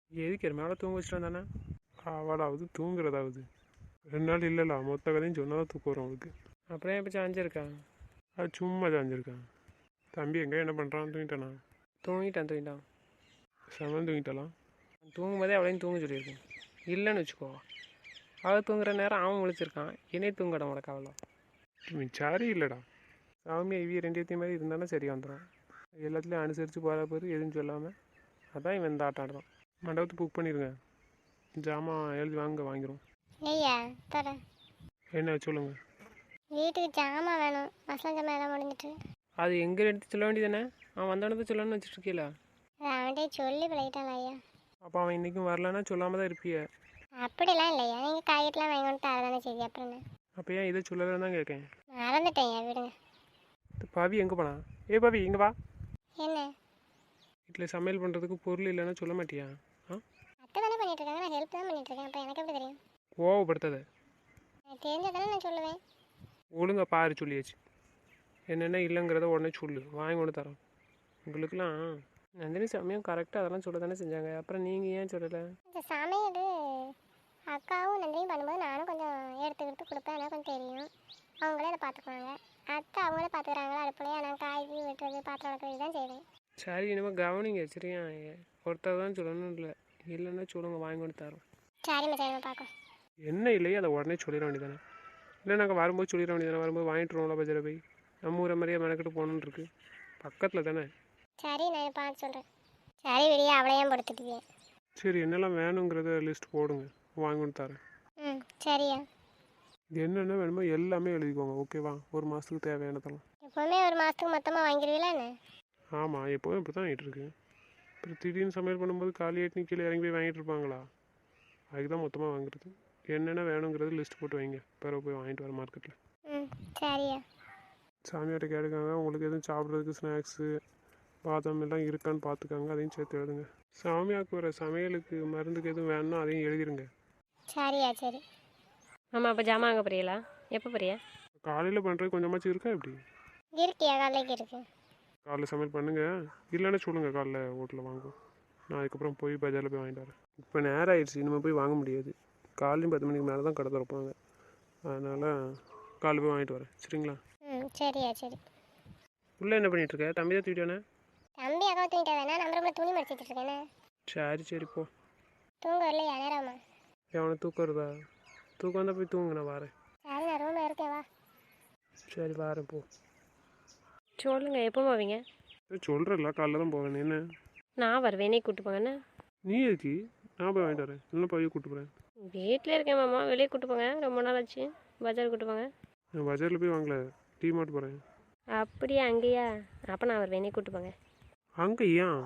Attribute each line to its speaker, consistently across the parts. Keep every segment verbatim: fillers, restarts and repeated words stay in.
Speaker 1: எதுக்கு மேலே தூங்க வச்சுட்டு தானே அவளாவது தூங்குறதாவது ரெண்டு நாள் இல்லைல்ல மொத்த கதையும் சொன்னால் தான் தூக்கம் வரும் அவளுக்கு. அப்புறம் இப்போ சாஞ்சிருக்கா? அது சும்மா சாஞ்சிருக்கான். தம்பி எங்கே என்ன பண்ணுறான்? தூங்கிட்டானா? தூங்கிட்டான் தூங்கிட்டான் செவன் தூங்கிட்டாலாம். தூங்கும்போதே அவளையும் தூங்க சொல்லியிருக்கேன். இல்லைன்னு வச்சுக்கோ, அவள் தூங்குற நேரம் அவன் முழிச்சிருக்கான், என்னையே தூங்கட உனக்கு அவ்வளோ சரி இல்லைடா. சாமியா இவி ரெண்டு மாதிரி இருந்தானே சரி வந்துடும். எல்லாத்துலேயும் அனுசரித்து போகிற பேர் எதுவும் சொல்லாமல் அதான் இவன் இந்த ஆட்டம் ஆடுறான். மண்டபத்தை புக் பண்ணிடுங்க, ஜாமான் எழுதி வாங்க வாங்கிடும்.
Speaker 2: ஐயா தர
Speaker 1: என்ன சொல்லுங்க.
Speaker 2: வீட்டுக்கு ஜாமான் வேணும், மசாலா ஜாமான் எல்லாம் முடிஞ்சிட்டு.
Speaker 1: அது எங்கே எடுத்து சொல்ல வேண்டியதானே? அவன் வந்தோடனே சொல்லணும்னு வச்சுருக்கீல.
Speaker 2: அவன்கிட்ட சொல்லி பழகிட்டான் ஐயா.
Speaker 1: அப்போ அவன் இன்றைக்கும் வரலன்னா சொல்லாமல் தான் இருப்பிய.
Speaker 2: அப்படிலாம் இல்லையா, நீங்கள் காய்கறிலாம் வாங்கி வந்துட்டு அதை தானே சரி. அப்புறம் என்ன?
Speaker 1: அப்போ ஏன் இதை சொல்லலைன்னு தான் கேட்கேன்.
Speaker 2: மறந்துட்டேன் ஐயா, விடுங்க.
Speaker 1: பவி எங்கே போனா? ஏ பவி இங்கே வா.
Speaker 2: என்ன
Speaker 1: வீட்டில் சமையல் பண்ணுறதுக்கு பொருள் இல்லைன்னா சொல்ல மாட்டியா? ஆ
Speaker 2: அத்தை தானே பண்ணிட்டு இருக்காங்க, நான் ஹெல்ப் தான் பண்ணிட்டு இருக்கேன். அப்போ எனக்கு எப்படி தெரியும்?
Speaker 1: கோவப்படுத்தாத.
Speaker 2: எனக்கு தெரிஞ்சதானே நான் சொல்லுவேன்.
Speaker 1: ஒழுங்கா பாரு சொல்லியாச்சு. என்னென்ன இல்லைங்கிறத உடனே சொல்லு, வாங்கி கொண்டு தரோம். உங்களுக்குலாம் நந்தினி சமயம் கரெக்டாக அதெல்லாம் சொல்ல தானே செஞ்சாங்க, அப்புறம் நீங்கள் ஏன் சொல்லலை?
Speaker 2: இந்த சமையல் அக்காவும் நந்தினியும் பண்ணும்போது நானும் கொஞ்சம் எடுத்துக்கிட்டு கொடுப்பேன், எனக்கு கொஞ்சம் தெரியும். அவங்களே அதை பார்த்துக்குவாங்க. அத்தை அவங்களே பார்த்துக்குறாங்களா அடுப்புலையா, நான் காய்கறி வெட்டுறது பாத்திரம் வளர்க்குறது தான் செய்வேன்.
Speaker 1: சரி இனிமேல் கவனிங்க சரியா? ஒருத்தர் தான் சொல்லணும், இல்லை இல்லைன்னா சொல்லுங்க, வாங்கி கொண்டு தரோம்.
Speaker 2: சரிம்மா சரிம்மா பார்க்கும்.
Speaker 1: என்ன இல்லையே அதை உடனே சொல்லிட வேண்டியதானே? இல்லை நாங்கள் வரும்போது சொல்லிட வேண்டியதானே? வரும்போது வாங்கிட்டுருவோம்ல பஜாரை போய். நம்ம ஊரை மாதிரியே மெனக்கிட்டு போகணுன்னு இருக்கு, பக்கத்தில் தானே.
Speaker 2: சரி நான் பார்த்து சொல்கிறேன். சரி விடியா அவளையும் படுத்துட்டுவேன்.
Speaker 1: சரி என்னெல்லாம் வேணுங்கிறத லிஸ்ட் போடுங்க, வாங்கி கொண்டு தரேன்.
Speaker 2: ம் சரியா.
Speaker 1: என்னென்ன வேணுமோ எல்லாமே எழுதிக்கோங்க, ஓகேவா? ஒரு மாதத்துக்கு தேவையானதெல்லாம்.
Speaker 2: எப்போவுமே ஒரு மாதத்துக்கு மொத்தமாக வாங்கிடுவீங்களா என்ன?
Speaker 1: ஆமாம் எப்போவும் இப்படி தான் வாங்கிட்டு இருக்கு. அப்புறம் திடீர்னு சமையல் பண்ணும்போது காலி ஆட்டி கீழே இறங்கி போய் வாங்கிட்டு இருப்பாங்களா? அதுக்கு தான் மொத்தமாக வாங்குறது. என்னென்ன வேணுங்கிறது லிஸ்ட் போட்டு வைங்க, பிறகு போய் வாங்கிட்டு வர மார்க்கெட்டில்.
Speaker 2: ம் சரியா.
Speaker 1: சாமியார்ட்ட கேட்டுக்காங்க, உங்களுக்கு எதுவும் சாப்பிட்றதுக்கு ஸ்நாக்ஸு பாதாம் எல்லாம் இருக்கான்னு பார்த்துக்காங்க, அதையும் சேர்த்து எழுதுங்க. சாமியாவுக்கு வர சமையலுக்கு மருந்துக்கு எதுவும் வேணும்னா அதையும் எழுதிருங்க.
Speaker 2: சரியா சரி.
Speaker 3: ஆமாம் அப்போ ஜாமான் வாங்க போறீங்களா? எப்போ போறியா?
Speaker 1: காலையில் பண்ணுறது கொஞ்சமாச்சும் இருக்கா எப்படி?
Speaker 2: இருக்கியா காலைக்கு இருக்கு.
Speaker 1: காலைல சமையல் பண்ணுங்கள், இல்லைன்னா சொல்லுங்கள் காலைல ஹோட்டலில் வாங்குவோம். நான் அதுக்கப்புறம் போய் பஜாரில் போய் வாங்கிட்டு வரேன். இப்போ நேரம் ஆயிடுச்சு, இனிமேல் போய் வாங்க முடியாது. காலையும் பத்து மணிக்கு மேலே தான் கடை திறப்பாங்க, அதனால் காலைல போய் வாங்கிட்டு வரேன் சரிங்களா?
Speaker 2: ம் சரியா சரி.
Speaker 1: உள்ளே என்ன பண்ணிகிட்ருக்க? தம்பி தான் தூக்கிட்டானே?
Speaker 2: தம்பி அக்கா தூங்கிட்டா வேணா, நம்ம ரொம்ப துணி மடிச்சிட்டு இருக்கேனே.
Speaker 1: சரி சரி போ.
Speaker 2: தூங்க வரலையா நேரமா?
Speaker 1: எவனை தூக்கம் வருதா? தூக்கம் வந்தால் போய் தூங்கு, நான் வரேன்.
Speaker 2: சரி நான் ரூமில் இருக்கேன் வா.
Speaker 1: சரி வரேன் போ.
Speaker 3: சொல்லுங்கள் எப்போ போவீங்க?
Speaker 1: சொல்கிறல்ல காலைல தான் போவேன். என்ன
Speaker 3: நான் வருவேன், நீ கூப்பிட்டு போங்கண்ணே.
Speaker 1: நீ எதுக்கு? நான் போய் வாங்கிட்டு வரேன், இல்லை போய் கூப்பிட்டு போகிறேன்.
Speaker 3: வீட்டில் இருக்கேன் மாமா, வெளியே கூப்பிட்டு போங்க, ரொம்ப நாள் ஆச்சு. பஜார் கூப்பிட்டு போங்க.
Speaker 1: நான் பஜாரில் போய் வாங்கல, டீ மார்ட் போகிறேன்.
Speaker 3: அப்படியா? அங்கேயா? அப்போ நான் வருவேன், நீ கூப்பிட்டு போங்க.
Speaker 1: அங்கே ஏன்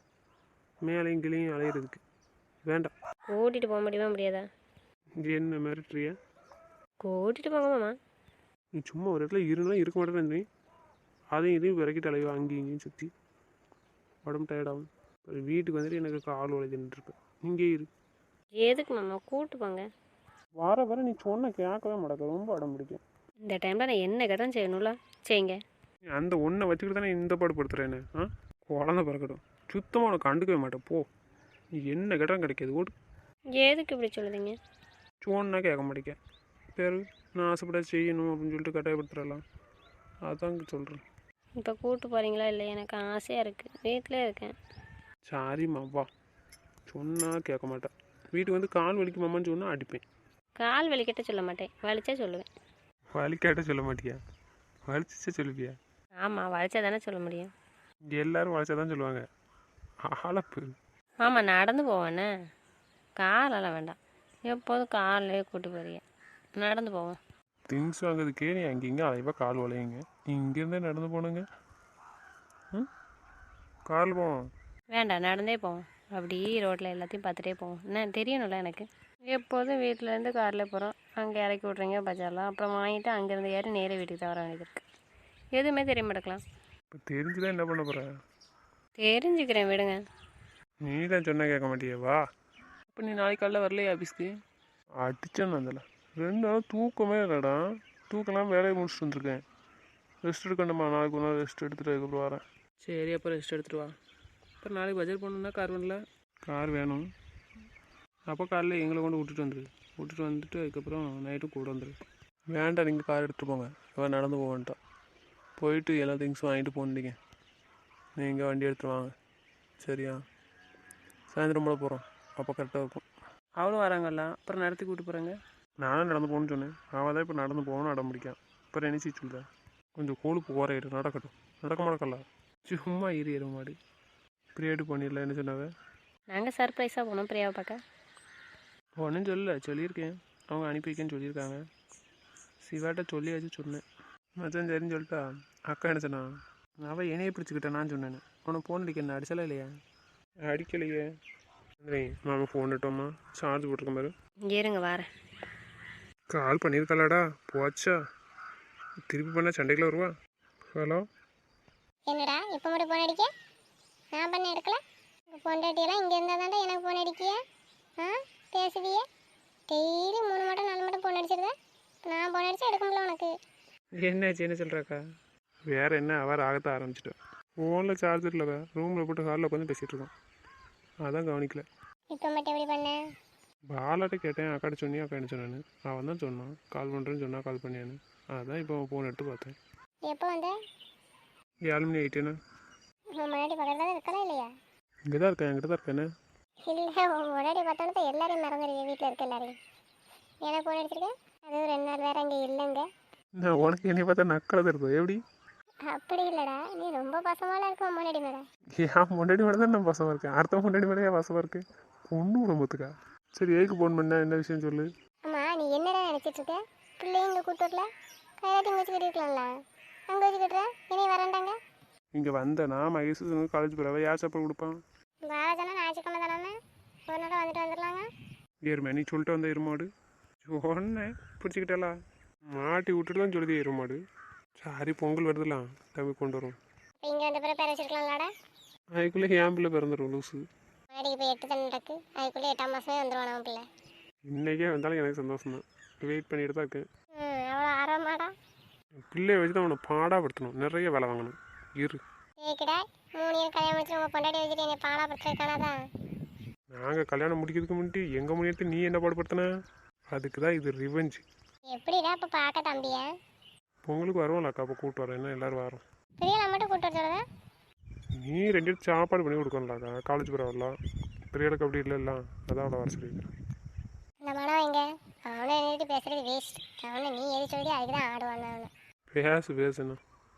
Speaker 1: மேலேயும் கீழேயும் அலையிறதுக்கு? வேண்டாம்.
Speaker 3: கூட்டிகிட்டு போக முடியுமா முடியாதா?
Speaker 1: என்ன மிரட்டுறியா?
Speaker 3: கூட்டிகிட்டு போங்க மாமா.
Speaker 1: நீ சும்மா ஒரு இடத்துல இருந்தாலும் இருக்க மாட்டேன்னு நீ அதையும் இதையும் விறக்கிட்டு அலைவா, அங்கேயும் இங்கேயும் சுற்றி உடம்பு டயர்டாகும். ஒரு வீட்டுக்கு வந்துட்டு எனக்கு கால் உழைதுன்னு இருப்பேன். இங்கே இரு.
Speaker 3: எதுக்கு மாமா? கூப்பிட்டு போங்க.
Speaker 1: வர வர நீ சொன்ன கேட்கவே மாட்டேங்க, ரொம்ப உடம்பு பிடிக்கும்.
Speaker 3: இந்த டைமில் நான் என்ன கேட்டாலும் செய்யணும்ல, செய்யுங்க.
Speaker 1: அந்த ஒன்றை வச்சுக்கிட்டு தானே இந்த பாடு படுத்துறேன்னு. ஆ குழந்தை பிறக்கட்டும், சுத்தமாக உனக்கு கண்டுக்கவே மாட்டேன் போ. நீ என்ன கேட்டாலும் கிடைக்காது, ஓடு.
Speaker 3: எதுக்கு இப்படி சொல்லுதீங்க?
Speaker 1: சொன்னா கேட்க மாட்டேங்க. பேர் நான் ஆசைப்பட செய்யணும் அப்படின்னு சொல்லிட்டு கட்டாயப்படுத்துறலாம், அதாங்க சொல்கிறேன்.
Speaker 3: இப்போ கூப்பிட்டு போகிறீங்களா இல்லை? எனக்கு ஆசையாக இருக்குது, வீட்டிலே இருக்கேன்.
Speaker 1: சாரிம்மா வா. சொன்னால் கேட்க மாட்டேன். வீட்டுக்கு வந்து கால் வலிக்குமான்னு சொன்னால் அடிப்பேன்.
Speaker 3: கால் வலிக்கிட்ட சொல்ல மாட்டேன், வலிச்சா சொல்லுவேன்.
Speaker 1: வலிக்காட்ட சொல்ல மாட்டியா? வலிச்சா சொல்லுவியா?
Speaker 3: ஆமாம், வலிச்சா தானே சொல்ல முடியும்.
Speaker 1: எல்லோரும் வலிச்சா தான் சொல்லுவாங்க. ஆளப்பு.
Speaker 3: ஆமாம் நடந்து போவேண்ணே, காலெல்லாம் வேண்டாம். எப்போதும் காலையே கூட்டு போறிய, நடந்து போவோம்.
Speaker 1: திங்ஸ் வாங்குறதுக்கே நீ அங்கேங்க அலைவா கால் வளையுங்க, இங்கேருந்தே நடந்து போனுங்க. ம் கால் போவோம்.
Speaker 3: வேண்டாம் நடந்தே போவோம். அப்படி ரோட்டில் எல்லாத்தையும் பார்த்துட்டே போவோம். என்ன தெரியணும்ல எனக்கு. எப்போதும் வீட்டிலேருந்து காரில் போகிறோம், அங்கே இறக்கி விட்றீங்க பஜார்லாம், அப்புறம் வாங்கிட்டு அங்கேருந்து ஏறி நேரே வீட்டுக்கு தான் வர வேண்டியது இருக்குது. எதுவுமே தெரிய மாட்டேக்கலாம்.
Speaker 1: இப்போ தெரிஞ்சுதான் என்ன பண்ண போகிற?
Speaker 3: தெரிஞ்சுக்கிறேன் விடுங்க.
Speaker 1: நீ தான் சொன்ன கேட்க மாட்டியா? வா.
Speaker 3: இப்போ நீ நாளைக்கு காலைல வரலையே ஆஃபீஸ்க்கு?
Speaker 1: அடிச்சேன்னு வந்தல ரெண்டு நாள் தூக்கமே இல்லைடா. தூக்கலாம் வேலையை முடிச்சுட்டு வந்துருக்கேன். ரெஸ்ட் எடுக்கணுமா? நாளைக்கு ஒரு நாள் ரெஸ்ட் எடுத்துகிட்டு அதுக்கப்புறம் வரேன்.
Speaker 3: சரி அப்போ ரெஸ்ட் எடுத்துகிட்டு வா. அப்புறம் நாளைக்கு பஜார் போகணுன்னா கார் வரல?
Speaker 1: கார் வேணும். அப்போ காலைல எங்களை கொண்டு விட்டுட்டு வந்துரு. விட்டுட்டு வந்துட்டு அதுக்கப்புறம் நைட்டும் கூட வந்துரு. வேண்டாம், நீங்கள் கார் எடுத்துகிட்டு போங்க. இவன் நடந்து போவேன்ட்டா. போயிட்டு எல்லா திங்ஸும் வாங்கிட்டு போனீங்க. நீங்கள் வண்டி எடுத்துகிட்டு வாங்க, சரியா? சாயந்தரம் போல போகிறோம், அப்போ கரெக்டாக இருக்கும். அவளும் வராங்கல்ல, அப்புறம் நடத்தி கூப்பிட்டு போகிறாங்க. நானும் நடந்து போகணுன்னு சொன்னேன். அவள் தான் இப்போ நடந்து போகணும்னு அடம் பிடிக்கான். அப்புறம் என்ன செய்ய சொல்லுதா? கொஞ்சம் கொழுப்பு குறையிடும், நடக்கட்டும். நடக்க மாட்டக்கல்ல, சும்மா இரு ஏற மாடு. பிரியாடி பண்ணிடல. என்ன சொன்னாவே?
Speaker 3: நாங்கள் சர்ப்ரைஸாக போனோம் பிரியாவை பார்க்க.
Speaker 1: ஒன்றும் சொல்லல, சொல்லியிருக்கேன். அவங்க அனுப்பி வைக்கேன்னு சொல்லியிருக்காங்க. சிவாட்ட சொல்லியாச்சு சொன்னேன். மச்சான் சரின்னு சொல்லிட்டா. அக்கா என்ன சொன்னா? அவள் என்னையே பிடிச்சிக்கிட்டேன். நான் சொன்னேன், உனக்கு ஃபோன் அடிக்க என்ன அடிச்சலாம் இல்லையா? அடிக்கலையே. மாமா ஃபோன் இட்டோம்மா, சார்ஜ் போட்டிருக்க மாதிரி.
Speaker 3: இருங்க வரேன்.
Speaker 1: கால் பண்ணியிருக்கலாடா, போச்சா? திருப்பி பண்ணால் சண்டைக்குள்ள வருவா. ஹலோ,
Speaker 2: என்னடா இப்போ மட்டும் ஃபோன் அடிக்க? நான் பண்ண எடுக்கல. உங்கள் பொண்டாட்டியெல்லாம் இங்கே இருந்தால் தாண்டா எனக்கு ஃபோன் அடிக்கிய. ஆ பேசுவியே. டெய்லி மூணு மட்டும் நாலு மட்டும் ஃபோன் அடிச்சிருக்கேன். நான் ஃபோன் அடிச்சா எடுக்க முடியல உனக்கு.
Speaker 1: என்னாச்சு? என்ன சொல்கிறாக்கா? வேற என்ன, அவர் ஆகத்த ஆரம்பிச்சிட்டேன். ஃபோனில் சார்ஜர் இல்லை, ரூமில் போட்டு ஹாலில் உட்காந்து பேசிகிட்டு இருக்கோம். அதான் கவனிக்கல.
Speaker 2: இப்போ மட்டும் எப்படி பண்ண?
Speaker 1: பாலாட்ட கேட்டேன், அக்காட்ட சொன்னியா? அக்கா என்ன சொன்னான்னு? அவன் தான் சொன்னான், கால் பண்ணுறேன்னு சொன்னா, கால் பண்ணியான்னு. அதான் இப்போ ஃபோன் எடுத்து பார்த்தேன்.
Speaker 2: எப்போ வந்த?
Speaker 1: ஏழு மணி ஆகிட்டேன்னு.
Speaker 2: உன் முன்னாடி பக்கத்தில் தான் இருக்கலாம் இல்லையா?
Speaker 1: இங்கே தான் இருக்கேன், என்கிட்ட தான் இருக்கேன்னு.
Speaker 2: இல்லை, உன் முன்னாடி பார்த்தோன்னு எல்லாரையும் மறந்துடுவீங்க, வீட்டில் இருக்க எல்லாரையும். ஏன்னா ஃபோன் அடிச்சிருக்கேன், அதுவும் ரெண்டு நாள் வேறு அங்கே இல்லைங்க.
Speaker 1: நான் உனக்கு என்னை பார்த்தா நக்கலை தான் இருக்கும். எப்படி?
Speaker 2: அப்படி இல்லைடா, நீ ரொம்ப பசமாலாம் இருக்க உன் முன்னாடி மேடம்.
Speaker 1: ஏன் முன்னாடி மேலே தான் நான் பசமாக இருக்கேன், அடுத்த முன்னாடி மேலே ஏன் பசமாக இருக்கேன்? ஒன்றும் ரொம்பத்துக்கா. சரி, ஏக்கு ஃபோன் பண்ண, என்ன விஷயம் சொல்லு.
Speaker 2: ஆமாம், நீ என்னடா நினச்சிட்டு இருக்க? பிள்ளைங்க இங்கே கூட்டு வரல, கையாட்டி இங்கே வச்சு கட்டிருக்கலாம்ல. அங்கே வச்சு கட்டுறேன், இனி வரண்டாங்க.
Speaker 1: இங்கே வந்தேனா மகேஷ் காலேஜ் போகிறவ யார் சாப்பாடு கொடுப்பான்?
Speaker 2: பாலாஜனா ஞாயிற்றுக்கிழமை தானே, ஒரு நாள் வந்துட்டு வந்துடலாங்க.
Speaker 1: ஏறுமே, நீ சொல்லிட்டு வந்த எருமாடு. சொன்னேன் பிடிச்சிக்கிட்டாளா? மாட்டி விட்டுட்டு தான் சொல்லுது எருமாடு. சாரி, பொங்கல் வருதுலாம், தம்பி கொண்டு வரும்.
Speaker 2: இப்போ இங்கே வந்த பிறகு பேர வச்சிருக்கலாம்லடா.
Speaker 1: அதுக்குள்ளே என் பிள்ளை பிறந்துடும் லூஸு.
Speaker 2: மாடிக்கு போய் எட்டு தானே நடக்கு, அதுக்குள்ளே எட்டாம் மாதமே வந்துடுவான் அவன் பிள்ளை.
Speaker 1: இன்றைக்கே வந்தாலும் எனக்கு சந்தோஷம் தான். வெயிட் பண்ணிட்டு தான் இருக்கேன்.
Speaker 2: ம், அவ்வளோ ஆர்வமாடா.
Speaker 1: பிள்ளைய வச்சு தான் அவனை பாடாப்படுத்தணும், நிறைய வேலை வாங்கணும். இரு,
Speaker 2: ஏக்கிடா, மூணு இயர் கல்யாணம் முடிச்சு உங்கள் பொண்டாட்டி வச்சுட்டு என்னை பாடாப்படுத்துறதுக்கானதான்.
Speaker 1: நாங்கள் கல்யாணம் முடிக்கிறதுக்கு முன்னாடி எங்கள் முன்னாடி நீ என்ன பாடுபடுத்தின? அதுக்கு தான் இது ரிவெஞ்ச்.
Speaker 2: எப்படிடா இப்போ பார்க்க தம்பியா?
Speaker 1: பொங்கலுக்கு வருவோம்லக்கா, அப்போ கூப்பிட்டு வரேன். என்ன எல்லோரும் வரோம்.
Speaker 2: பிரியலா மட்டும் கூப்பிட்டு வர சொல்லுதா?
Speaker 1: நீ ரெண்டு பேரும் சாப்பாடு பண்ணி கொடுக்கணும்லாக்கா. காலேஜ் போகிற வரலாம், பிரியாளுக்கு அப்படி இல்லைல்ல, அதான் அவளை வர சொல்லியிருக்கேன்.
Speaker 2: இந்த மனம் எங்க? அவனை நின்றுட்டு பேசுறது வேஸ்ட். அவனை நீ எது சொல்லி அதுக்கு தான் ஆடுவான் அவனை.
Speaker 1: பேசு பேசுண்ணா,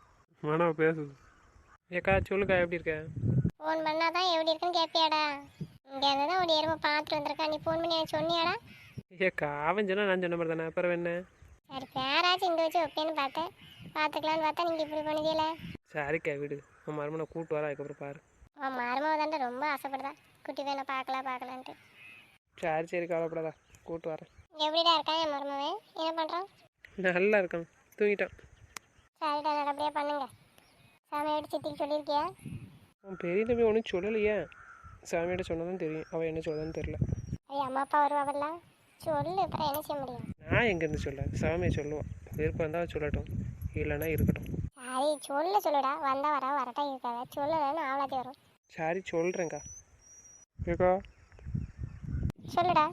Speaker 1: வேணா பேசுது. ஏக்கா சொல்லுக்கா, எப்படி இருக்க?
Speaker 2: ஃபோன் பண்ணால் தான் எப்படி இருக்குன்னு கேட்பியாடா? இங்கே இருந்து தான் ஒரு எருமை பார்த்துட்டு வந்திருக்கா, நீ ஃபோன் பண்ணி எனக்கு சொன்னியாடா?
Speaker 1: ஏக்கா அவன் சொன்னா நான் சொன்ன மாதிரி தானே, அப்புறம் என்ன?
Speaker 2: சரி, பேராச்சும் இங்கே வச்சு ஓகேன்னு பார்த்தேன், பார்த்துக்கலான்னு பார்த்தா நீங்கள் இப்படி பண்ணுதில்ல.
Speaker 1: சரிக்கா விடு, உன் மருமனை கூப்பிட்டு வர, அதுக்கப்புறம் பாரு.
Speaker 2: உன் மருமக தாண்டா ரொம்ப ஆசைப்படுதா குட்டி வேணா பார்க்கலாம் பார்க்கலான்ட்டு.
Speaker 1: சரி சரி, கவலைப்படாதா, கூப்பிட்டு வரேன்.
Speaker 2: எப்படிடா இருக்கான் என் மருமவன்? என்ன பண்ணுறான்?
Speaker 1: நல்லா இருக்கான், தூங்கிட்டான்.
Speaker 2: சரிடா, நல்லபடியாக பண்ணுங்க. சாமியோட சித்திக்கு சொல்லியிருக்கியா?
Speaker 1: அவன் பெரிய தம்பி ஒன்றும் சொல்லலையே. சாமியிட்ட சொன்னதான் தெரியும், அவன் என்ன சொல்லதான்னு தெரில.
Speaker 2: ஐயா, அம்மா அப்பா வருவாங்கல்ல, சொல்லு, அப்புறம் என்ன செய்ய முடியும்?
Speaker 1: நான் எங்கேருந்து சொல்ல, சாமியை சொல்லுவான். விருப்பம் இருந்தால் சொல்லட்டும், இல்லைன்னா இருக்கட்டும்.
Speaker 2: சரி சொல்ல சொல்லுடா, வந்தால் வர வரட்டா இருக்காத, சொல்லலன்னு ஆவலாத்தி வரும்.
Speaker 1: சரி சொல்கிறேங்க்கா. ஏக்கா
Speaker 2: சொல்லுடா.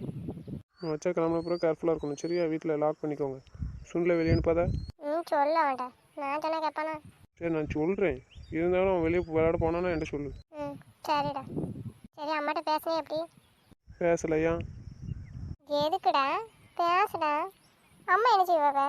Speaker 1: வச்சா கிளம்புன அப்புறம் கேர்ஃபுல்லாக இருக்கணும், சரியா? வீட்டில் லாக் பண்ணிக்கோங்க. சுண்டில் வெளியே அனுப்பாத.
Speaker 2: ம், சொல்ல வேண்டாம், நான் சொன்ன கேட்பானா?
Speaker 1: சரி நான் சொல்கிறேன், இருந்தாலும் அவன் வெளியே விளையாட போனான்னா என்கிட்ட சொல்லு.
Speaker 2: ம், சரிடா. சரி, அம்மாட்ட பேசுனே எப்படி?
Speaker 1: பேசலையா?
Speaker 2: எதுக்குடா பேசுடா, அம்மா என்ன செய்வாங்க?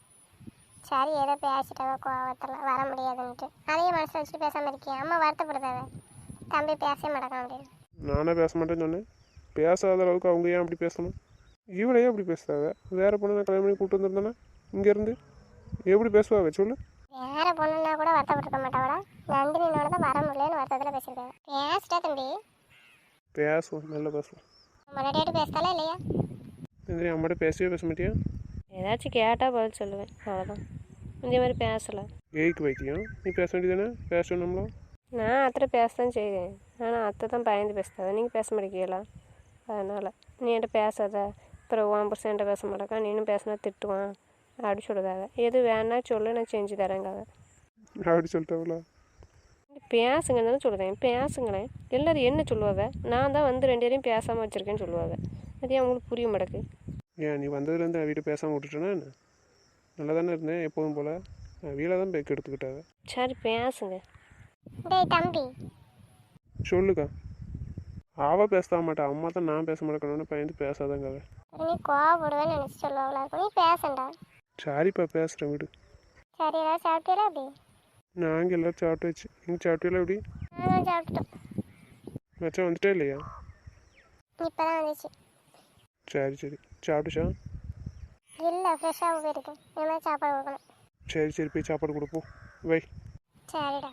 Speaker 2: சரி, ஏதோ பேசிட்டாவ கோவத்தில் வர முடியாதுன்ட்டு அதையும் மனசில் வச்சுட்டு பேசாமல் இருக்கேன். அம்மா வருத்தப்படுதாவ, தம்பி பேசவே மாட்டேக்கான் அப்படின்னு.
Speaker 1: நானே பேச மாட்டேன்னு சொன்னேன். பேசாத அளவுக்கு அவங்க ஏன் அப்படி பேசணும்? இவளையே அப்படி பேசுறாங்க. வேறு பொண்ணு நான் கல்யாணம் பண்ணி கூப்பிட்டு வந்திருந்தேன்னா இங்கேருந்து எப்படி பேசுவாங்க சொல்லு?
Speaker 2: வேற பொண்ணுன்னா கூட வருத்தப்பட்டுருக்க மாட்டாவடா, நந்தினியோட தான் வர முடியலன்னு வருத்தத்தில் பேசியிருக்காங்க. பேசிட்டா தம்பி?
Speaker 1: பேசுவோம், நல்லா பேசுவோம்.
Speaker 2: முன்னாடியாட்டு பேசுதாலே இல்லையா?
Speaker 1: நந்தினி அம்மாட்ட பேசவே பேச மாட்டியா?
Speaker 3: ஏதாச்சும் கேட்டால் பதில் சொல்லுவேன், அவ்வளோதான். இந்த மாதிரி பேசலை.
Speaker 1: ஏய்க்கு வைத்தியம், நீ பேச வேண்டியதானே? பேசணும்ல.
Speaker 3: நான் அத்தை பேச தான் செய்வேன், ஆனால் அத்தை தான் பயந்து பேசுதாத, நீங்கள் பேச மாட்டேங்கீங்களா? அதனால் நீ என்கிட்ட பேசாத, அப்புறம் உன் புருஷன் என்கிட்ட பேச மாட்டேக்கா, நீனும் பேசினா திட்டுவான் அப்படி சொல்லுதாங்க. எது வேணா சொல்லு, நான் செஞ்சு தரேங்காக.
Speaker 1: அப்படி சொல்லிட்டவளா?
Speaker 3: நீ பேசுங்கன்னு தானே சொல்லுதேன், பேசுங்களேன். எல்லோரும் என்ன சொல்லுவாங்க? நான் தான் வந்து ரெண்டு பேரையும் பேசாமல் வச்சுருக்கேன்னு சொல்லுவாங்க. அது ஏன் அவங்களுக்கு புரிய மாட்டேக்கு?
Speaker 1: ஏன் நீ வந்ததுலேருந்து வீட்டை பேசாமல் விட்டுட்டேன்னா என்ன? நல்லா தானே இருந்தேன் எப்போதும் போல். வீட்டில் தான் பேக் எடுத்துக்கிட்டாங்க.
Speaker 3: சரி பேசுங்க.
Speaker 2: டேய் தம்பி,
Speaker 1: சொல்லுக்கா. அவள் பேச மாட்டா, அம்மா தான் நான் பேச மாட்டேன்னு பயந்து பேசாதங்க.
Speaker 2: நீ கோவப்படுவேன்னு நினச்சி சொல்லுவாங்களா இருக்கும். நீ பேசண்டா.
Speaker 1: சரிப்பா பேசுகிறேன் வீடு.
Speaker 2: சரி, ஏதாவது சாப்பிட்டீரா அப்படி?
Speaker 1: நாங்கள் எல்லோரும் சாப்பிட்டு வச்சு நீங்கள் சாப்பிட்டீங்களா எப்படி?
Speaker 2: நானும் சாப்பிட்டுட்டோம்.
Speaker 1: மச்சான் வந்துட்டே இல்லையா?
Speaker 2: இப்போ தான் வந்துச்சு.
Speaker 1: சரி சரி சாப்பிட்டுச்சா?
Speaker 2: இல்லை, ஃப்ரெஷ்ஷாக போயிருக்கு. இனிமேல் சாப்பாடு கொடுக்கணும்.
Speaker 1: சரி சரி போய் சாப்பாடு கொடுப்போம். வை.
Speaker 2: சரிடா.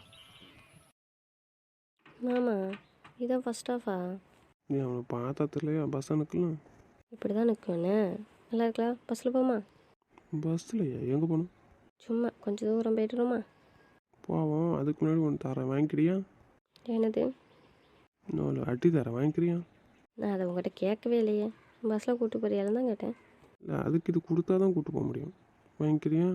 Speaker 3: மாமா இதான் ஃபஸ்ட் ஆஃபா?
Speaker 1: நீ அவனை பார்த்ததுலையா பஸ் அனுக்கலாம்?
Speaker 3: இப்படி தான் நிற்கும்ண்ணே. நல்லா இருக்கலாம். பஸ்ஸில் போமா?
Speaker 1: பஸ்லையா? எங்கே போகணும்?
Speaker 3: சும்மா கொஞ்சம் தூரம் போய்ட்டுருமா?
Speaker 1: போவோம். அதுக்கு முன்னாடி ஒன்று தரேன், வாங்கிக்கிறியா?
Speaker 3: என்னது?
Speaker 1: இன்னொரு அட்டி தரேன், வாங்கிக்கிறியா?
Speaker 3: நான் அதை உங்கள்கிட்ட கேட்கவே இல்லையே. பஸ்ஸில் கூப்பிட்டு போறியாலும் தான் கேட்டேன்.
Speaker 1: இல்லை, அதுக்கு இது கொடுத்தா தான் கூப்பிட்டு போக முடியும். வாங்கிக்கிறியா?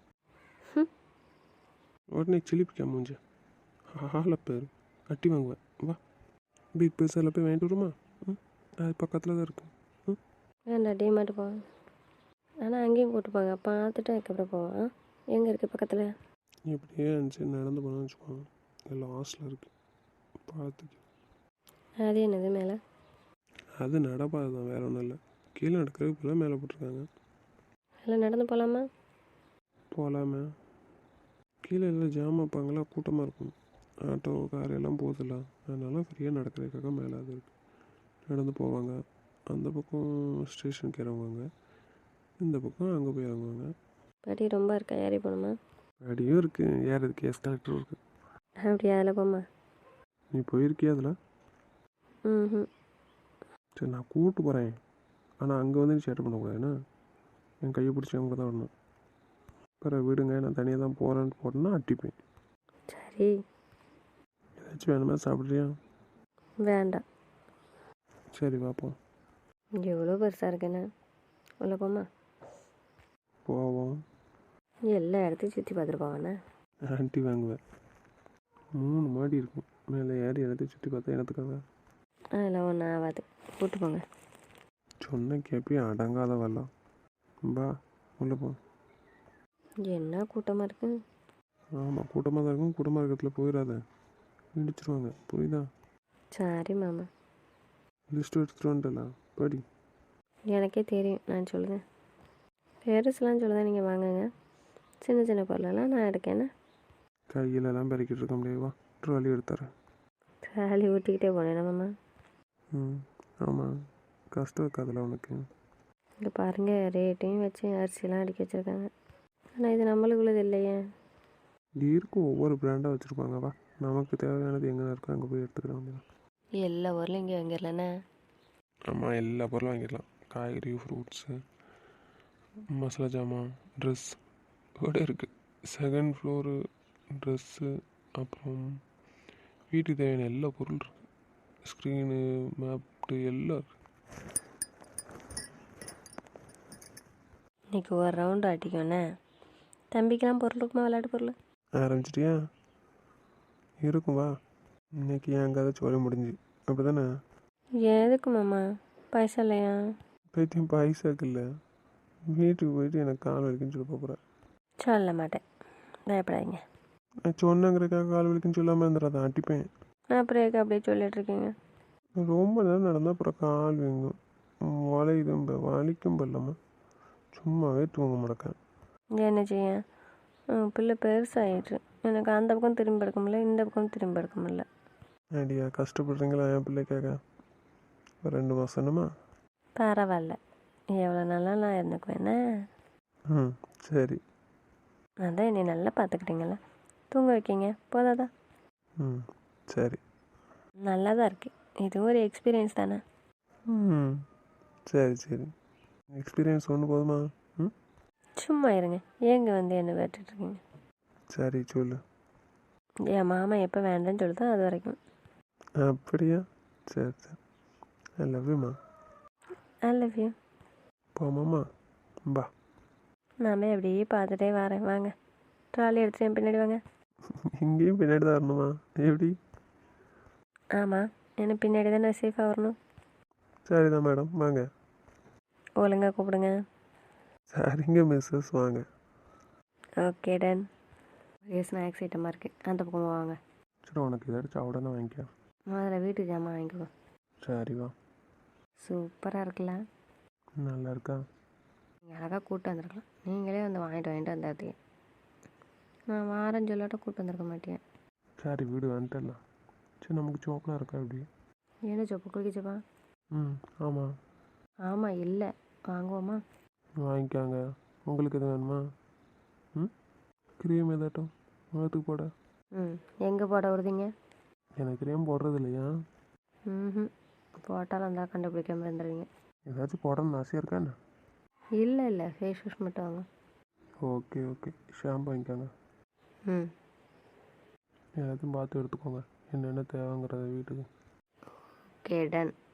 Speaker 1: உடனே சிலிப்பிக்கா மூஞ்ச ஆளை பேர் அட்டி வாங்குவேன். வா, பிக் பஸ்ஸில் போய் வாங்கிட்டு வருமா? ம், அது பக்கத்தில் தான் இருக்கு. ம்,
Speaker 3: வேண்டா டிமார்ட் போவேன். ஆனால் அங்கேயும் கூப்பிட்டு போங்க, பார்த்துட்டு அதுக்கப்புறம் போவேன். எங்கே இருக்குது பக்கத்தில்?
Speaker 1: இப்படியே இருந்துச்சு நடந்து போனான்னு வச்சுக்கோங்க, எல்லாம் ஹாஸ்டலில் இருக்குது, பார்த்துக்கு.
Speaker 3: அது என்னது மேலே?
Speaker 1: அது நடப்பாது தான், வேறு ஒன்றும் இல்லை. கீழே நடக்கிறதுக்கு இப்போலாம் மேலே போட்டிருக்காங்க.
Speaker 3: எல்லாம் நடந்து போகலாமா?
Speaker 1: போகலாமே. கீழே எல்லாம் ஜாம் வைப்பாங்களா, கூட்டமாக இருக்கும். ஆட்டோ கார் எல்லாம் போதில்ல, அதனால ஃப்ரீயாக நடக்கிறதுக்காக மேலே அது இருக்குது. நடந்து போவாங்க. அந்த பக்கம் ஸ்டேஷனுக்கு இறங்குவாங்க, இந்த பக்கம் அங்கே போய் இறங்குவாங்க.
Speaker 3: படி ரொம்ப இருக்கா, ஏறி போகணுமா?
Speaker 1: படியும் இருக்குது, ஏறதுக்கு எஸ் கலெக்டரும் இருக்குது.
Speaker 3: அப்படியா? அதில் போமா?
Speaker 1: நீ போயிருக்கியா அதில்?
Speaker 3: ம்.
Speaker 1: சரி, நான் கூப்பிட்டு போகிறேன். ஆனால் அங்கே வந்து நீ சேட்டை பண்ணக்கூடாதுன்னா, என் கையை பிடிச்சி அவங்க தான் வரணும். பிறகு விடுங்க, நான் தனியாக தான் போகிறேன்னு போட்டேன்னா அட்டிப்பேன்.
Speaker 3: சரி.
Speaker 1: ஏதாச்சும் வேணுமா, சாப்பிட்றியா?
Speaker 3: வேண்டாம்.
Speaker 1: சரி பார்ப்போம்.
Speaker 3: எவ்வளோ பெருசாக இருக்குண்ணே. உள்ள போமா?
Speaker 1: போவோம்.
Speaker 3: எல்லா இடத்தையும் சுற்றி பார்த்துட்டு போவாண்ணே.
Speaker 1: ஆண்டி வாங்குவேன். மூணு மாடி இருக்கும், மேலே ஏறி எல்லாத்தையும் சுற்றி பார்த்தா எனத்துக்காக.
Speaker 3: அதெல்லாம் ஒன்றும் ஆகாது, கூப்பிட்டு போங்க.
Speaker 1: சொன்ன கேப்பையும் அடங்காத வரலாம். பா, உள்ளே போ.
Speaker 3: என்ன கூட்டமாக இருக்கு.
Speaker 1: ஆமாம், கூட்டமாக தான் இருக்கும். கூட்டமாக இருக்கிறதுல போயிடாத, இடிச்சிருவாங்க, புரியுதா?
Speaker 3: சரி மாமா.
Speaker 1: லிஸ்ட்டு எடுத்துகிட்டு வந்துட்டல, படி.
Speaker 3: எனக்கே தெரியும், நான் சொல்லுதேன். பெருசுலாம் சொல்லுதேன், நீங்கள் வாங்குங்க. சின்ன சின்ன பொருளெல்லாம் நான் எடுக்கேன்னு.
Speaker 1: கையிலலாம் பெருக்கிட்டு இருக்க முடியாதுவா, ட்ராலி எடுத்துறேன்.
Speaker 3: ட்ராலி ஊட்டிக்கிட்டே போனேன் மாமா.
Speaker 1: ம், ஆமாம், கஷ்டம் இருக்காதுல்ல உனக்கு.
Speaker 3: இங்கே பாருங்கள், ரேட்டையும் வச்சு அரிசிலாம் அடுக்கி வச்சுருக்காங்க. ஆனால் இது நம்மளுக்குள்ளது இல்லையே.
Speaker 1: இருக்கும், ஒவ்வொரு பிராண்டாக வச்சுருப்பாங்க. வா, நமக்கு தேவையானது எங்கே இருக்கோ அங்கே போய் எடுத்துக்கிற வேண்டியதான்.
Speaker 3: எல்லா ஊர்லையும் இங்கே வாங்கிடலண்ணே.
Speaker 1: ஆமாம், எல்லா பொருளும் வாங்கிடலாம். காய்கறி, ஃப்ரூட்ஸு, மசாலா ஜாமான், ட்ரெஸ் கூட இருக்குது. செகண்ட் ஃப்ளோரு ட்ரெஸ்ஸு, அப்புறம் வீட்டுக்கு தேவையான எல்லா பொருள் இருக்குது. ஸ்க்ரீனு, மேப்டு எல்லாம் இருக்குது.
Speaker 3: இன்றைக்கி ஒரு ரவுண்டு ஆட்டிக்கோண்ணே. தம்பிக்கெலாம் பொருள் இருக்குமா, விளையாட்டு பொருள்?
Speaker 1: ஆரம்பிச்சிட்டியா? இருக்கும், வா. இன்னைக்கு என் கதை சோழ முடிஞ்சு, அப்படி தானே?
Speaker 3: எதுக்கு மாமா, பைசா இல்லையா?
Speaker 1: பைத்தியம், பைசாக்கு இல்லை, வீட்டுக்கு போயிட்டு எனக்கு கால் வலிக்குன்னு சொல்லி போகிறேன்.
Speaker 3: சொல்ல மாட்டேன், பயப்படாதீங்க.
Speaker 1: நான் சொன்னங்கிறக்காக கால் வலிக்குன்னு சொல்லாமல் இருந்துடாதான், அடிப்பேன்.
Speaker 3: அப்புறம் எதுக்கு அப்படியே சொல்லிட்டு இருக்கீங்க?
Speaker 1: ரொம்ப நேரம் நடந்தால் அப்புறம் கால் வீங்கும், வலிக்கும், வலிக்கும் பல்லாமல் சும்மாவே தூங்க முடக்கேன்.
Speaker 3: என்ன செய்ய, பிள்ளை பெருசாகிட்டு எனக்கு அந்த பக்கம் திரும்பி எடுக்க முடியல, இந்த பக்கம் திரும்பி எடுக்க முடியல.
Speaker 1: ஐடியா, கஷ்டப்படுறீங்களா என் பிள்ளைக்காக? ஒரு ரெண்டு மாதம் என்னமா?
Speaker 3: பரவாயில்ல, எவ்வளோ நாளா நான் இருந்துக்குவேண்ணே.
Speaker 1: ம், சரி.
Speaker 3: அதான் என்னை நல்லா பார்த்துக்கிட்டீங்களா, தூங்க வைக்கிங்க போதாதா?
Speaker 1: ம், சரி.
Speaker 3: நல்லா தான் இருக்குது, இது ஒரு எக்ஸ்பீரியன்ஸ் தானே.
Speaker 1: ம், சரி சரி, எக்ஸ்பீரியன்ஸ் ஒன்று போதுமா? ம்,
Speaker 3: சும்மா இருங்க, ஏங்க வந்து என்ன வேட்டுட்ருக்கீங்க?
Speaker 1: சரி சொல்லு.
Speaker 3: என் மாமா எப்போ வேண்டான்னு சொல்லுதோ அது வரைக்கும்.
Speaker 1: அப்படியா? சரி சரி, ஐ லவ் யூமா.
Speaker 3: I love you.
Speaker 1: போமாம்மா, பா.
Speaker 3: நான் போய் அப்படியே பார்த்துட்டே வரேன், வாங்க. ட்ராலி எடுத்துட்டு என் பின்னாடி வாங்க.
Speaker 1: இங்கேயும் பின்னாடி தான் வரணுமா? எப்படி?
Speaker 3: ஆமாம், எனக்கு பின்னாடி தானே சேஃபாக வரணும்.
Speaker 1: சரிதான் மேடம், வாங்க.
Speaker 3: ஒழுங்கா கூப்பிடுங்க.
Speaker 1: சரிங்க மிஸ்ஸஸ், வாங்க.
Speaker 3: Okay done. ஒரே ஸ்நாக்ஸ் ஐட்டமாக இருக்குது, அந்த பக்கமாக வாங்க.
Speaker 1: சரி, உனக்கு ஏதாச்சும் உடனே வாங்கிக்க.
Speaker 3: முதல்ல வீட்டுக்கு ஜாமான் வாங்கிக்கோ.
Speaker 1: சரி வா.
Speaker 3: சூப்பராக இருக்குல்ல?
Speaker 1: நல்லா இருக்கா?
Speaker 3: நீங்கள் அழகாக கூப்பிட்டு வந்திருக்கலாம். நீங்களே வந்து வாங்கிட்டு வாங்கிட்டு வந்தாதீங்க. நான் வாரம் சொல்லாட்ட கூப்பிட்டு வந்திருக்க மாட்டேன்.
Speaker 1: சரி வீடு வந்துட்டலாம். சரி, நமக்கு சோக்கெலாம் இருக்கா எப்படி?
Speaker 3: என்ன சொப்பு குளிக்கச்சப்பா?
Speaker 1: ம் ஆமாம்.
Speaker 3: ஆமாம், இல்லை வாங்குவோமா?
Speaker 1: வாங்கிக்காங்க. உங்களுக்கு எது வேணுமா? ம் க்ரீம் ஏதாட்டும் முகத்துக்கு போட?
Speaker 3: ம் எங்கே போட விடுதீங்க?
Speaker 1: எனக்கு க்ரீம் போடுறது இல்லையா?
Speaker 3: ம் போட்டாலும் இருந்தால் கண்டுபிடிக்காம இருந்துருவீங்க.
Speaker 1: ஏதாச்சும் போடணும்னு ஆசையாக இருக்கா என்ன?
Speaker 3: இல்லை இல்லை ஃபேஸ் வாஷ் மட்டும் வாங்க.
Speaker 1: ஓகே ஓகே, ஷாம்பு வாங்கிக்காங்க.
Speaker 3: ம்
Speaker 1: எல்லாத்தையும் பார்த்து எடுத்துக்கோங்க, என்னென்ன தேவைங்கிறத வீட்டுக்கு.
Speaker 3: Okay ton.